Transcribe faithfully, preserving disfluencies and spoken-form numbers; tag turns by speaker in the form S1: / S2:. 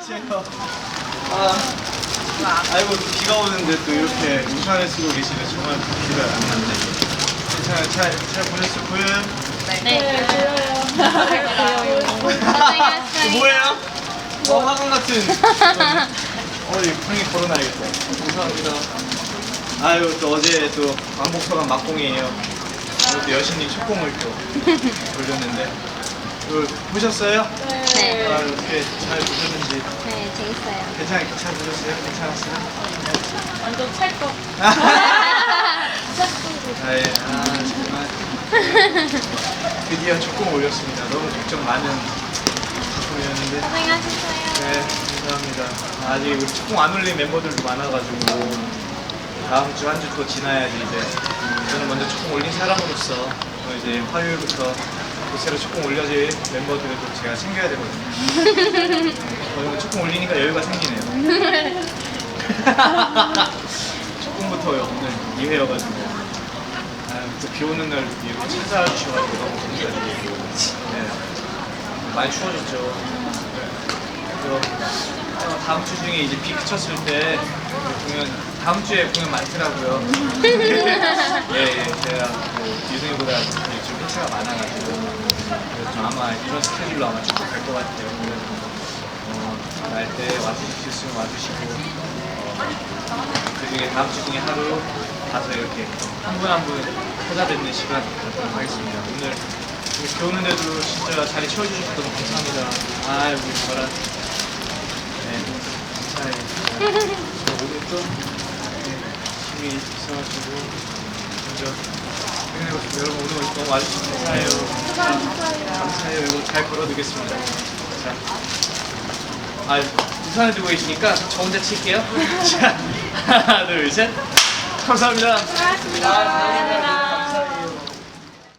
S1: 제가 아, 아이고 비가 오는데 또 이렇게 우산을 쓰고 계시네. 정말 비가 안 났네. 괜찮아요. 잘, 잘 보냈어요. 보여요?
S2: 네.
S1: 이거 뭐예요? 어, 화관 같은. 어, 이 형이 걸어놔야겠다. 감사합니다. 아유, 또 어제 또 왕복서관 막공이에요. 오늘 또 여신님 첫 공을 또 돌렸는데. 이거 보셨어요?
S2: 네.
S1: 아, 어떻게 잘 보셨는지.
S2: 네, 재밌어요.
S1: 괜찮, 잘 보셨어요? 괜찮았어요?
S3: 완전 찰떡.
S1: 아, 예. 아, 정말. 드디어 첫 공 올렸습니다. 너무 걱정 많은 작품이었는데.
S2: 고생하셨어요.
S1: 네, 감사합니다. 아직 우리 첫 공 안 올린 멤버들도 많아가지고 다음 주 한 주 더 지나야지 이제 저는 먼저 첫 공 올린 사람으로서 또 이제 화요일부터 또 새로 첫 공 올려질 멤버들을 또 제가 챙겨야 되거든요. 저는 첫 공 올리니까 여유가 생기네요. 첫 공부터 오늘 이 회여가지고 또 비 오는 날 이렇게 찾아와 주셔가지고 너무 감사드리고 네. 많이 추워졌죠. 그래서 다음 주 중에 이제 비 그쳤을 때 공연 다음 주에 공연 많더라고요. 예, 예, 제가 그 유승이보다 지금 회차가 많아가지고 그래서 좀 아마 이런 스케줄로 아마 쭉 갈 것 같아요. 그래서 어, 날 때 와주실 수 있으면 와주시고 어, 그 중에 다음 주 중에 하루 가서 이렇게 한 분 한 분 찾아뵙는 시간 갖도록 하겠습니다. 오늘 비 오는데도 진짜 자리 채워주셔서 너무 감사합니다. 아, 우리 저랑 네, 감사해요. 오늘 좀 힘이 있어가지고 먼저 퇴근하고 싶어요. 여러분 오늘 너무 와주셔서 감사해요. 감사해요. 감사해요. 이거 잘 걸어두겠습니다. 자, 아, 우산을 들고 계시니까 저 혼자 칠게요. 자, 하나, 둘, 셋. 감사합니다.
S3: 고맙습니다.